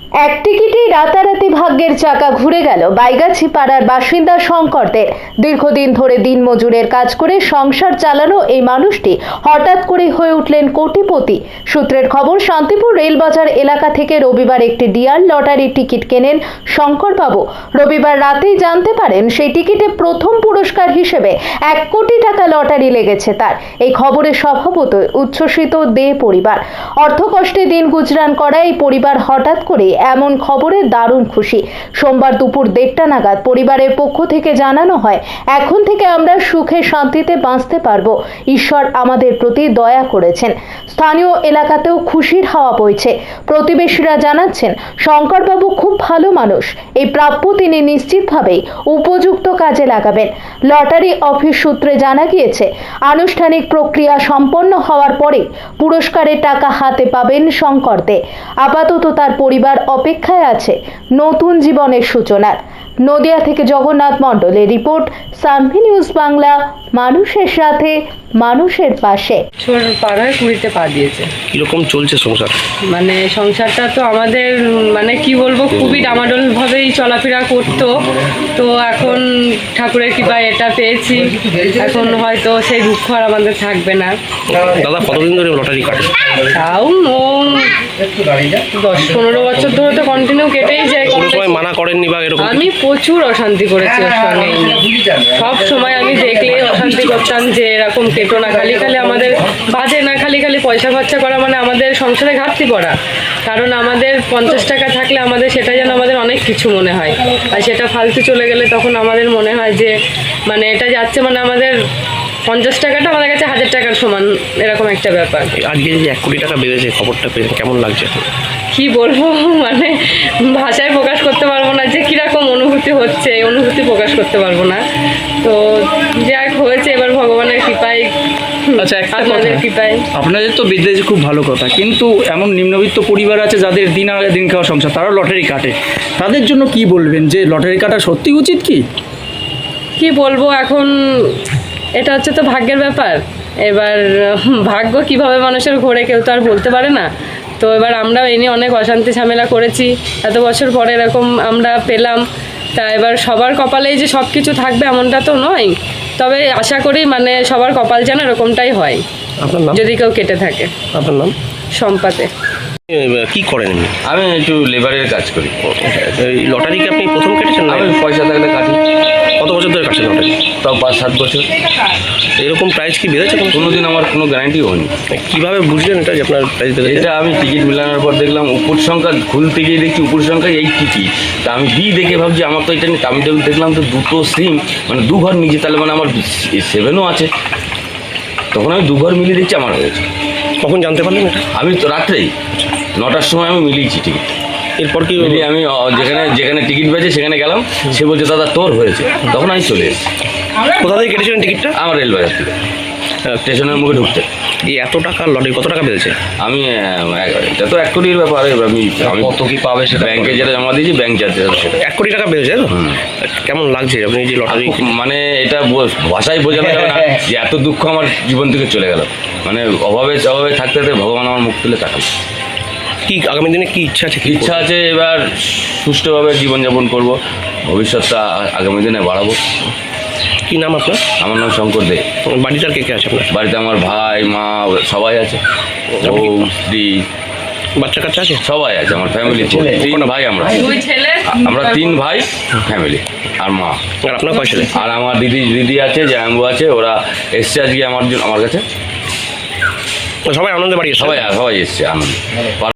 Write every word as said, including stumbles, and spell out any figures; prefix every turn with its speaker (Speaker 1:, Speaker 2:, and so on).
Speaker 1: এক টিকিটেই রাতারাতি ভাগ্যের চাকা ঘুরে গেল বাইগাছি পাড়ার বাসিন্দা শঙ্করদের। দীর্ঘদিন ধরে দিনমজুরের কাজ করে সংসার চালানো এই মানুষটি হঠাৎ করে হয়ে উঠলেন কোটিপতি। সূত্রের খবর, শান্তিপুর রেলবাজার এলাকা থেকে রবিবার একটি ডিয়ার লটারির টিকিট কেনেন শঙ্করবাবু। রবিবার রাতেই জানতে পারেন সেই টিকিটে প্রথম পুরস্কার হিসেবে এক কোটি টাকা লটারি লেগেছে তার। এই খবরে স্বভাবতই উচ্ছ্বসিত দে পরিবার। অর্থকষ্টে দিন গুজরান করা এই পরিবার হঠাৎ করে এমন খবরে দারুণ খুশি। সোমবার দুপুর দেড়টা নাগাদ পরিবারের পক্ষ থেকে জানানো হয়, এখন থেকে আমরা সুখে শান্তিতে বাঁচতে পারবো। ঈশ্বর আমাদের প্রতি দয়া করেছেন। স্থানীয় এলাকাতেও খুশির হাওয়া বইছে। প্রতিবেশীরা জানাচ্ছেন, শঙ্করবাবু খুব ভালো মানুষ। এই প্রাপ্য তিনি নিশ্চিতভাবেই উপযুক্ত কাজে লাগাবেন। লটারি অফিস সূত্রে জানা গিয়েছে, আনুষ্ঠানিক প্রক্রিয়া সম্পন্ন হওয়ার পরে পুরস্কারের টাকা হাতে পাবেন শঙ্কর দে। আপাতত তার পরিবার অপেক্ষায় আছে নতুন জীবনের সূচনার। নদিয়া থেকে জগন্নাথ মণ্ডলের রিপোর্ট, সানভি নিউজ বাংলা, মানুষের সাথে মানুষের পাশে।
Speaker 2: ছোট পাড়ায় কুড়িতে পা দিয়েছে।
Speaker 3: কিরকম চলছে সংসার?
Speaker 2: মানে সংসারটা তো আমাদের মানে কি বলবো, খুবই ডামাডোল ভাবেই চলাফেরা করতো। তো এখন ঠাকুরের কৃপায় এটা পেয়েছি, এখন হয়তো সেই দুঃখ আর আমাদের থাকবে না।
Speaker 3: দাদা কতদিন ধরে লটারি কাটে?
Speaker 2: তাও ও দশ পনেরো বছর ধরে তো কন্টিনিউ কেটেই যায়।
Speaker 3: কোনো সময় মানা করেননি বা এরকম?
Speaker 2: আমি প্রচুর অশান্তি করেছি ওর সঙ্গে। সব সময় আমি দেখলেই অশান্তি করতাম যে এরকম কেটো না, খালি খালি আমাদের বাজে না, খালি খালি পয়সা খরচা করা মানে আমাদের সংসারে ঘাটতি পড়া। কারণ আমাদের পঞ্চাশ টাকা থাকলে আমাদের সেটা যেন আমাদের অনেক কিছু মনে হয়, আর সেটা ফালতু চলে গেলে তখন আমাদের মনে হয় যে মানে এটা যাচ্ছে মানে আমাদের পঞ্চাশ টাকাটা আমাদের কাছে হাজার টাকার সমান, এরকম একটা ব্যাপার।
Speaker 3: আজকে যে এক কোটি টাকা বেড়েছে, খবরটা পেয়ে কেমন লাগছে?
Speaker 2: কি বলবো, মানে ভাষায় প্রকাশ করতে পারবো না যে কীরকম অনুভূতি হচ্ছে, এই অনুভূতি প্রকাশ করতে পারবো না। তো যাক হয়েছে, এবার ভগবানের কৃপায়।
Speaker 4: আচ্ছা, একটা
Speaker 2: আপনাদের
Speaker 4: কথা,
Speaker 2: কৃপায়।
Speaker 4: আপনাদের তো বিদ্যেছে খুব ভালো কথা, কিন্তু এমন নিম্নবিত্ত পরিবার আছে যাদের দিন আগে দিন খাওয়া সংসার, তারা লটারি কাটে। তাদের জন্য কি বলবেন, যে লটারি কাটা সত্যি উচিত কি?
Speaker 2: কি বলবো, এখন এটা হচ্ছে তো ভাগ্যের ব্যাপার। এবার ভাগ্য কিভাবে মানুষের ঘোরে কেউ তো আর বলতে পারে না। তো এবার আমরা এই নিয়ে অনেক অশান্তি ঝামেলা করেছি, এত বছর পরে এরকম আমরা পেলাম। তা এবার সবার কপালেই যে সব কিছু থাকবে এমনটা তো নয়, তবে আশা করি মানে সবার কপাল যেন এরকমটাই হয়।
Speaker 3: আপনার নাম?
Speaker 2: যদি কেউ কেটে থাকে।
Speaker 3: আপনার নাম?
Speaker 2: সম্পাতে।
Speaker 3: কি করেন?
Speaker 5: আমি একটু লেবারের কাজ করি।
Speaker 3: এই লটারি কি আপনি প্রথম কেটেছেন?
Speaker 5: আমি পয়সা থাকলে কাটি।
Speaker 3: কত বছর ধরে কাটছেন লটারি?
Speaker 5: তাও পাঁচ সাত বছর।
Speaker 3: এরকম প্রাইস কি বেড়েছে?
Speaker 5: কোনো দিন আমার কোনো গ্যারান্টি হয়নি।
Speaker 3: কীভাবে বুঝলেন এটা যে আপনার প্রাইস বেড়েছে?
Speaker 5: এটা আমি টিকিট মিলানোর পর দেখলাম উপর সংখ্যা খুলতে গিয়ে দেখছি উপর সংখ্যা এই টিকিট। তা আমি বি দেখে ভাবছি আমার তো এটা নেই। আমি যখন দেখলাম তো দুটো সিম মানে দু ঘর নিচে, তাহলে মানে আমার সেভেনও আছে। তখন আমি দু ঘর মিলিয়ে দেখছি আমার হয়েছে।
Speaker 3: কখন জানতে পারলেন এটা?
Speaker 5: আমি তো রাত্রেই নটার সময় আমি মিলিয়েছি টিকিট।
Speaker 3: এরপর কি
Speaker 5: মিলিয়ে আমি যেখানে যেখানে টিকিট পেয়েছে সেখানে গেলাম, সে বলছে দাদা তোর হয়েছে। তখন আমি চলে এসেছি।
Speaker 3: কোথা থেকে কেটেছিলেন টিকিটটা?
Speaker 5: আমার রেলবাজার থেকে, স্টেশনের মুখে ঢুকতে।
Speaker 3: এই এত টাকা লটারি কত টাকা বেড়েছে?
Speaker 5: আমি এটা তো এক কোটির ব্যাপার। আমি আমি কত কি পাবে সেটা ব্যাংকে যেটা জমা দিয়েছি, ব্যাংক চার্জে সেটা
Speaker 3: এক কোটি টাকা বেড়েছে তো? কেমন লাগছে আপনি যে লটারি?
Speaker 5: মানে এটা ভাষায় বোঝানো যাবে না যে এত দুঃখ আমার জীবন থেকে চলে গেল। মানে অভাবে অভাবে থাকতে থাকতে ভগবান আমার মুখ তুলে তাকাল।
Speaker 3: কি আগামী দিনে কি ইচ্ছা আছে?
Speaker 5: ইচ্ছা আছে এবার সুষ্ঠুভাবে জীবনযাপন করব, ভবিষ্যৎটা আগামী দিনে বাড়াবো।
Speaker 3: কি নাম আপনার?
Speaker 5: আমার নাম শঙ্কর দে।
Speaker 3: বাড়িতে আর কে কে আছে আপনার?
Speaker 5: বাড়িতে আমার ভাই মা সবাই আছে, বউ স্ত্রী
Speaker 3: বাচ্চা কাচ্চা আছে?
Speaker 5: সবাই আছে আমার ফ্যামিলি। তিন ভাই আমরা,
Speaker 2: দুই ছেলে,
Speaker 5: আমরা তিন ভাই ফ্যামিলি আর মা।
Speaker 3: আর আপনার কয় ছেলে?
Speaker 5: আর আমার দিদি দিদি আছে, জামাইবাবু আছে, ওরা এসছে আজকে আমার জন্য আমার কাছে।
Speaker 3: সবাই আনন্দে বাড়ি?
Speaker 5: সবাই সবাই এসছে আনন্দ।